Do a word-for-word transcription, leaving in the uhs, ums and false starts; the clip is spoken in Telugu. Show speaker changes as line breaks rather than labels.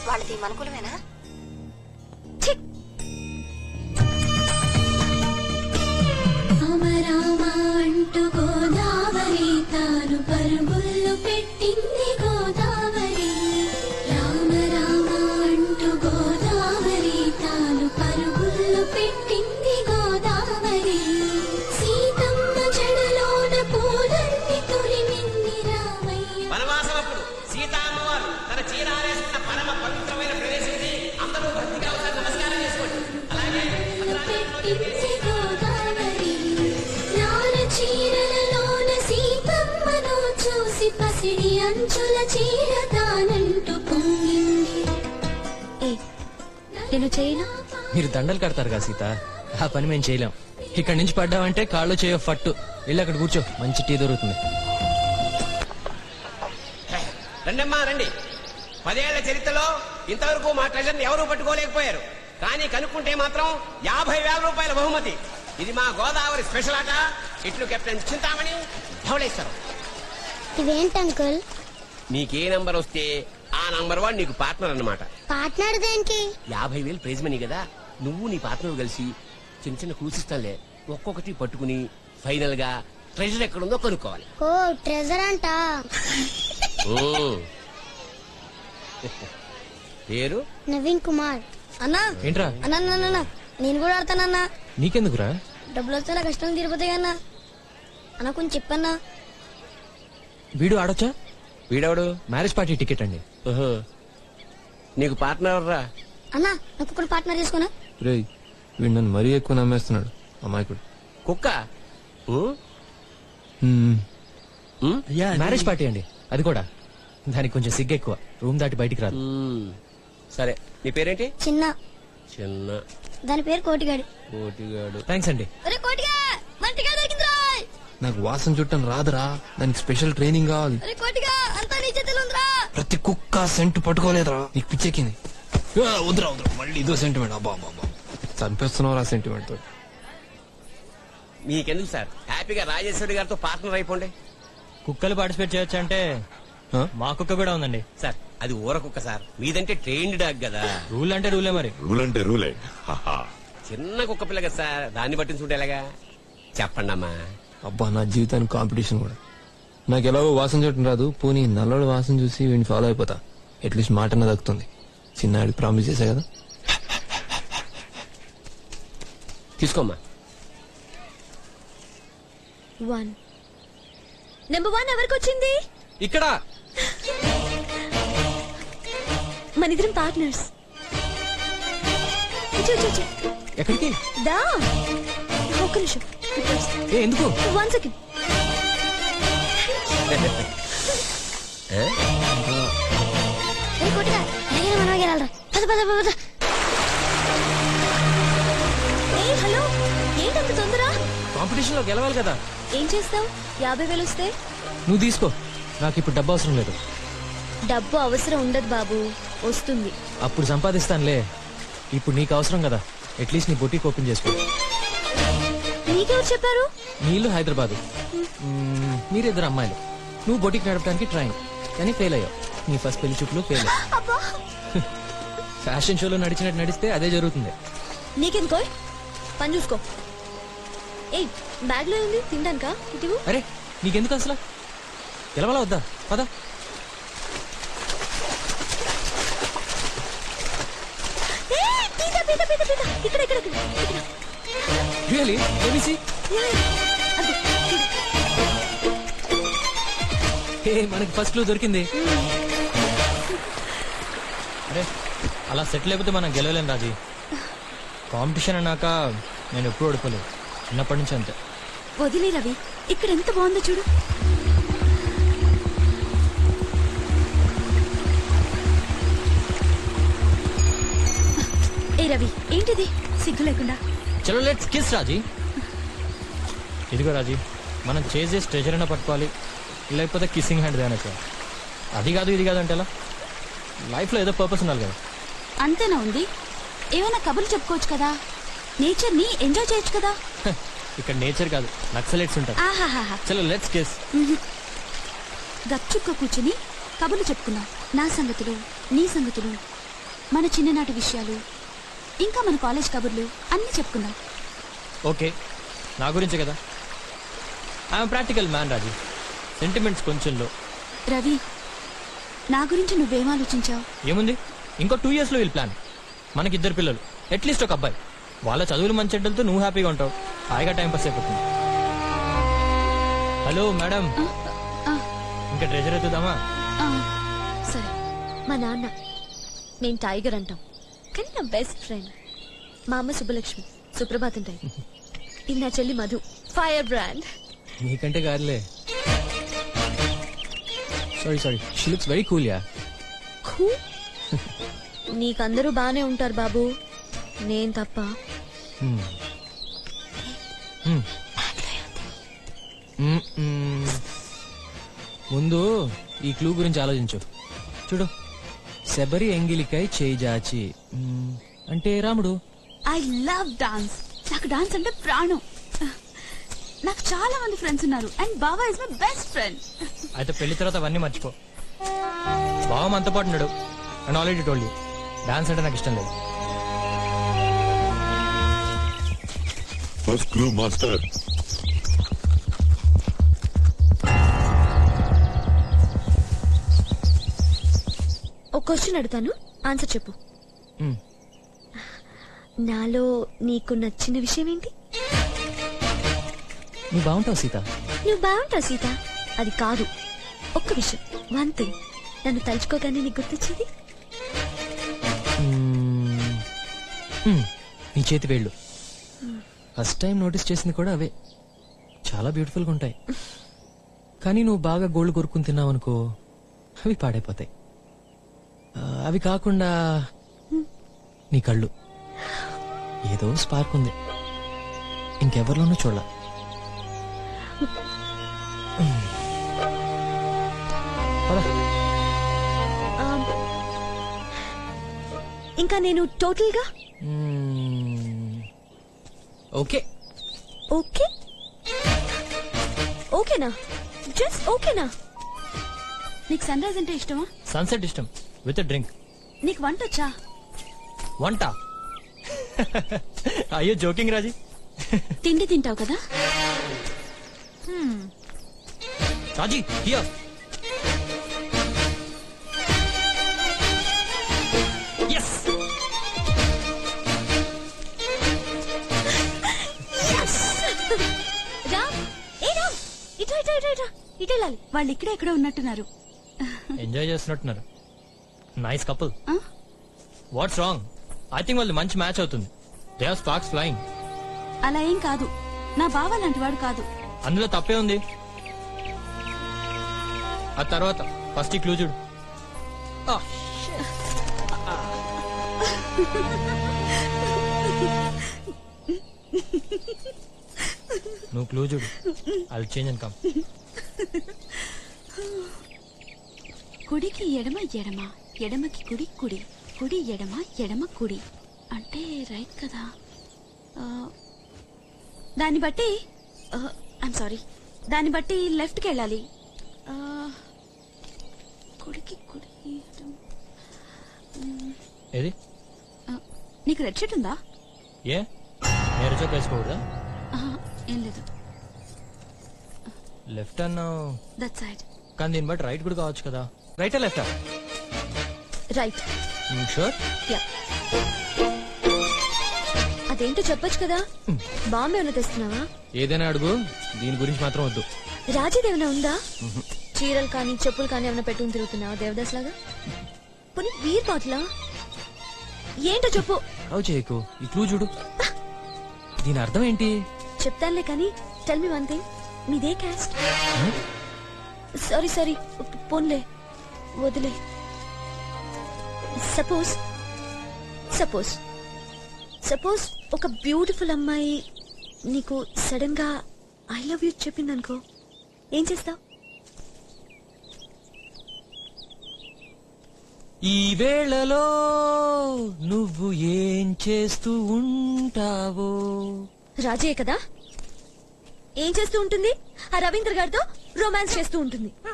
వాళ్ళది మనకులమేనా?
అంటూ గోదావరి తాను పరుగుళ్ళు పెట్టింది గోదావరి. రామ రామ అంటూ గోదావరి తాను పరుగుళ్ళు పెట్టింది గోదావరి. సీతమ్మ జడలోన పూలన్నీ తురిమింది రామయ్య.
వనవాసమప్పుడు సీతామ్మవారు తన చీరారేసిన పరమ పవిత్రమైన ప్రదేశం ఇది. అందరూ భక్తిగా ఒకసారి నమస్కారం చేసుకోండి. అలాగే
పెట్టింది గోదావరి. నార చీరలలోన సీతమ్మను చూసి పసిడి అంచుల చీర తానంటూ పొంగింది.
నేను చేయను.
మీరు దండలు కడతారు కదా సీత, ఆ పని మేము చేయలేం. ఇక్కడి నుంచి పడ్డామంటే కాళ్ళు చేయో ఫట్టు. వెళ్ళి అక్కడ కూర్చో, మంచి టీ దొరుకుతుంది.
రండమ్మా రండి. పదేళ్ల చరిత్రలో ఇంతవరకు మా ట్రెజర్ని ఎవరూ పట్టుకోలేకపోయారు. కానీ కనుక్కుంటే మాత్రం యాభై వేల రూపాయల బహుమతి. ఇది మా గోదావరి స్పెషల్ ఆట. ఇట్లు కెప్టెన్ చింతామణి, ధవళేశ్వరం.
ఇవేంటి అంకుల్?
నీకే నంబర్ వస్తే ఆ నంబర్ వాడు నీకు పార్ట్నర్ అన్నమాట.
పార్ట్నర్ దేనికి?
యాభై వేలు ప్రైజ్ మనీ కదా. నువ్వు నీ పార్ట్నర్ కలిసి చిన్న చిన్న క్లూస్ ఇస్తానులే, ఒక్కొక్కటి పట్టుకుని ఫైనల్ గా ట్రెజర్ ఎక్కడుందో కనుక్కోవాలి.
ఓ ట్రెజర్ అంట.
పేరు
నవీన్ కుమార్. అన్నా
ఏంట్రా?
అన్నా నేను కూడా ఆడతానన్నా.
నీకెందుకురా?
డబ్బులు వస్తే నా కష్టం తీరిపోతాయి అన్నా. అన్న కొంచెం చెప్పన్నా.
వీడు ఆడొచ్చా?
వీడెవడు?
మ్యారేజ్ పార్టీ టికెట్ అండి.
నీకు పార్ట్నర్ రా?
అన్నా నాకు కూడా పార్ట్నర్ చేసుకున్నా.
రేయ్ వీడు నన్ను మరీ ఎక్కువ నమ్మేస్తున్నాడు అమాయకుడు.
కుక్క.
మ్యారేజ్ పార్టీ అండి, అది కూడా. దానికి కొంచెం సిగ్గు ఎక్కువ, రూమ్ దాటి బయటికి రాదు.
సరే నీ పేరేంటి?
చిన్న.
చిన్న.
దాని పేరు కోటిగాడు.
కోటిగాడు.
థ్యాంక్స్ అండి.
నాకు వాసన చుట్టం రాదురా, దానికి స్పెషల్ ట్రైనింగ్ కావాలి. ప్రతి కుక్క సెంటు పట్టుకోలేదురా, నీకు పిచ్చెక్కింది. వద్దురా వద్దురా, మళ్ళీ ఇదో సెంటిమెంట్. అబ్బా అబ్బా చంపేస్తున్నావు ఆ సెంటిమెంట్ తో.
మీకెందుకు సార్, హ్యాపీగా రాజేశ్వరి గారితో పార్ట్నర్ అయిపోండి.
కుక్కలు పార్టిసిపేట్ చేయొచ్చు అంటే మా కుక్క కూడా ఉందండి
సార్. అది ఊర కుక్క సార్, మీదంటే ట్రైన్డ్ డాగ్ కదా.
రూల్ అంటే రూలే మరి.
రూల్ అంటే రూలే.
చిన్న కుక్క పిల్ల కదా సార్, దాన్ని పట్టించుకుంటే ఎలాగా? చెప్పండి అమ్మా.
అబ్బా నా జీవితానికి కాంపిటీషన్ కూడా. నాకు ఎలాగో వాసన చూడటం రాదు, పోనీ నల్లోడు వాసన చూసి వీడిని ఫాలో అయిపోతా. అట్లీస్ట్ మాటన దక్కుతుంది. చిన్నాడికి ప్రామిస్ చేశా కదా.
తీసుకోమ్మా.
వన్ నెంబర్ వన్ ఎవరికి వచ్చింది?
ఇక్కడ
మన ఇద్దరం పార్ట్నర్స్.
ఎక్కడికి?
దా ఒక్క నిమిషం.
ఏ ఎందుకు?
One second. హలో, ఏంటంత తొందర?
కాంపిటీషన్ లో గెలవాలి కదా.
ఏం చేస్తావు? యాభై వేలు వస్తే
నువ్వు తీసుకో, నాకు ఇప్పుడు డబ్బు అవసరం లేదు.
డబ్బు అవసరం ఉండదు బాబు, వస్తుంది.
అప్పుడు సంపాదిస్తానులే, ఇప్పుడు నీకు అవసరం కదా. అట్లీస్ట్ నీ బొటీకి ఓపెన్ చేసుకో.
నీకెవరు చెప్పారు?
నీ ఇల్లు హైదరాబాద్, మీరిద్దరు అమ్మాయిలు. నువ్వు బొటీకి నడపడానికి ట్రైన్, కానీ ఫెయిల్ అయ్యావు. నీ ఫస్ట్ పెళ్లి చూపులు ఫెయిల్ అయ్యావు. ఫ్యాషన్ షోలో నడిచినట్టు నడిస్తే అదే జరుగుతుంది.
నీకెందుకో పని చూసుకో. ఏయ్, బ్యాగ్ లో ఉంది తినడానికా? ఇటు.
అరే నీకెందుకు అసలు? గెలవాలా వద్దా? పద.
ఇక్కడ ఇక్కడ
రియలీ? మనకి ఫస్ట్ క్లూ దొరికింది. అరే అలా సెటిల్ అయిపోతే మనం గెలవలేం రాజీ. కాంపిటీషన్ అన్నాక నేను ఎప్పుడు ఓడిపోలేదు, చిన్నప్పటి నుంచి అంతే.
వదిలే రవి, ఇక్కడ ఎంత బాగుందో చూడు. ఏ రవి, ఏంటిది సిగ్గు లేకుండా?
చలో లెట్స్ కిస్ రాజీ. ఇదిగో రాజీ, మనం చేసే ట్రెజర్ అయినా పట్టుకోవాలి, లేకపోతే కిస్సింగ్ హ్యాండ్ దానక. అది కాదు ఇది కాదు అంటే ఎలా? లైఫ్ లో ఏదో పర్పస్ ఉండాలి కదా.
అంతేనా ఉంది? ఏమైనా కబుర్లు చెప్పుకోవచ్చు కదా, నేచర్ ని ఎంజాయ్ చేయొచ్చు కదా.
ఇక్కడ నేచర్ కాదు, నక్సలైట్స్ ఉంటారు.
ఆహాహా.
చలో లెట్స్ కిస్.
గప్చుక్క కూర్చుని కబుర్లు చెప్పుకున్నాం. నా సంగతులు, నీ సంగతులు,
మన చిన్ననాటి విషయాలు ఇంకా మన కాలేజ్ కబుర్లు అన్నీ చెప్పుకుందాం.
ఓకే, నా గురించే కదా. I'm practical man Raji. Sentiments కొంచెంలో.
రవి, నా గురించి నువ్వేం ఆలోచించావు?
ఏముంది, ఇంకో టూ ఇయర్స్ లో వీళ్ళు ప్లాన్. మనకిద్దరు పిల్లలు, అట్లీస్ట్ ఒక అబ్బాయి. వాళ్ళ చదువులు మంచి చెడ్డలతో నువ్వు హ్యాపీగా ఉంటావు, హాయిగా టైం పాస్ అయిపోతుంది. హలో మేడం, ఇంకా ట్రెజర్ ఎత్తుదామా?
సరే.
మా నాన్న, నేను టైగర్ అంటాం, కానీ నా బెస్ట్ ఫ్రెండ్. మా అమ్మ సుబ్బలక్ష్మి, సుప్రభాతం టైగర్. ఇది నా చెల్లి మధు, ఫైర్ బ్రాండ్.
నీకంటే కాదులే. Sorry sorry she looks very cool yeah.
నీకందరూ బానే ఉంటారు బాబు, నేను తప్ప.
ముందు ఈ క్లూ గురించి ఆలోచించు. చూడు, శబరి ఎంగిలికై చేయి జాచి మ్మ్, అంటే రాముడు.
I love dance. నాకు డాన్స్ అంటే ప్రాణం. నాకు చాలా మంది ఫ్రెండ్స్ ఉన్నారు and Baba is my best friend.
అయితే పెళ్లి తర్వాత అవన్నీ మర్చిపో. బావ మనతో పాటు ఉన్నాడు and already told you, dance అంటే నాకు ఇష్టం లేదు.
First clue master.
ఒక క్వశ్చన్ అడుగుతాను, ఆన్సర్ చెప్పు.
మ్మ్.
నాలో నీకు నచ్చిన విషయం ఏంటి?
నువ్వు బాగుంటావు సీత.
నువ్వు బాగుంటావు సీత. అది కాదు, ఒక్క విషయం, వన్ థింగ్. నన్ను తలుచుకోగానే నీకు గుర్తొచ్చేది
మ్మ్, మ్మ్, నీ చేతి వేళ్ళు. ఫస్ట్ టైం నోటీస్ చేసింది కూడా అవే. చాలా బ్యూటిఫుల్గా ఉంటాయి. కానీ నువ్వు బాగా గోల్డ్ కొరుక్కుని తిన్నావు అనుకో, అవి పాడైపోతాయి. ఆ, అవి కాకుండా నీ కళ్ళు, ఏదో స్పార్క్ ఉంది, ఇంకెవరిలోనూ చూడాల.
ఆమ్, ఇంకా నేను టోటల్ గా
ఓకే.
ఓకే. ఓకేనా? జస్ట్ ఓకేనా?
నీకు సన్ రైజ్ అంటే ఇష్టమా?
సన్సెట్ ఇష్టం, విత్ డ్రింక్.
నీకు వంట వచ్చా?
వంట? అయ్యో జోకింగ్ రాజీ.
తిండి తింటావు కదా.
రాజీ హియర్. yes
రామ్, ఏ రామ్, ఇటు ఇటు ఇటు ఇటు ఇటు వెళ్ళాలి.
వాళ్ళు ఇక్కడే ఎక్కడ ఉన్నట్టున్నారు.
ఎంజాయ్ చేస్తున్నట్టున్నారు. Nice couple.
ఆ?
What's wrong? ఐ థింక్ వాళ్ళు మంచి మ్యాచ్ అవుతుంది. They are sparks flying.
అలా ఏం కాదు, నా బావ లాంటి వాడు కాదు.
అందులో తప్పే ఉంది. ఆ తర్వాత ఫస్ట్ ఈ క్లూ చూడు. Ah, నువ్వు క్లూ చూడు. I'll change and come.
కుడికి ఎడమ ఎడమ, ఎడమకి కుడి కుడి, కుడి ఎడమ ఎడమ కుడి అంటే రైట్ కదా. ఆ, దాన్ని బట్టి ఐమ్ సారీ, దాన్ని బట్టి లెఫ్ట్కి వెళ్ళాలి. ఆ, కుడికి కుడి ఎడమ.
ఏది?
ఆ, నీకు రెడ్ షర్ట్ ఉందా?
ఏ నేరు చోక వేసుకోకూడదా?
ఆహా, ఏం లేదు.
లెఫ్ట్ అన్నావు
దట్ సైడ్.
కానీ దీన్ని బట్టి రైట్ కూడా కావచ్చు కదా. రైటా లెఫ్టా?
రైట్.
షూర్?
యా. అదేంటో చెప్పొచ్చు కదా. బాంబే ఏమైనా తెస్తున్నావా?
ఏదైనా అడుగు, దీని గురించి మాత్రం వద్దు.
రాజీది ఏమైనా ఉందా? చీరలు కానీ చెప్పులు కానీ ఏమైనా పెట్టుకుని తిరుగుతున్నావా దేవదాస్ లాగా? పోనీ బీర్ బాటిలా? ఏంటో చెప్పు.
అవు చేయకు, ఈ క్లూ చూడు. దీని అర్థం ఏంటి?
చెప్తానులే కానీ టెల్ మీ వన్ థింగ్. మీదే క్యాస్ట్? సారీ సారీ పోన్లే వదిలే. సపోజ్ సపోజ్ సపోజ్ ఒక బ్యూటిఫుల్ అమ్మాయి నీకు సడన్ గా ఐ లవ్ యూ చెప్పిందనుకో, ఏం చేస్తావు?
ఈ వేళలో నువ్వు ఏం చేస్తూ ఉంటావో?
రాజే కదా, ఏం చేస్తూ ఉంటుంది? ఆ రవీంద్ర గారితో రొమాన్స్ చేస్తూ ఉంటుంది.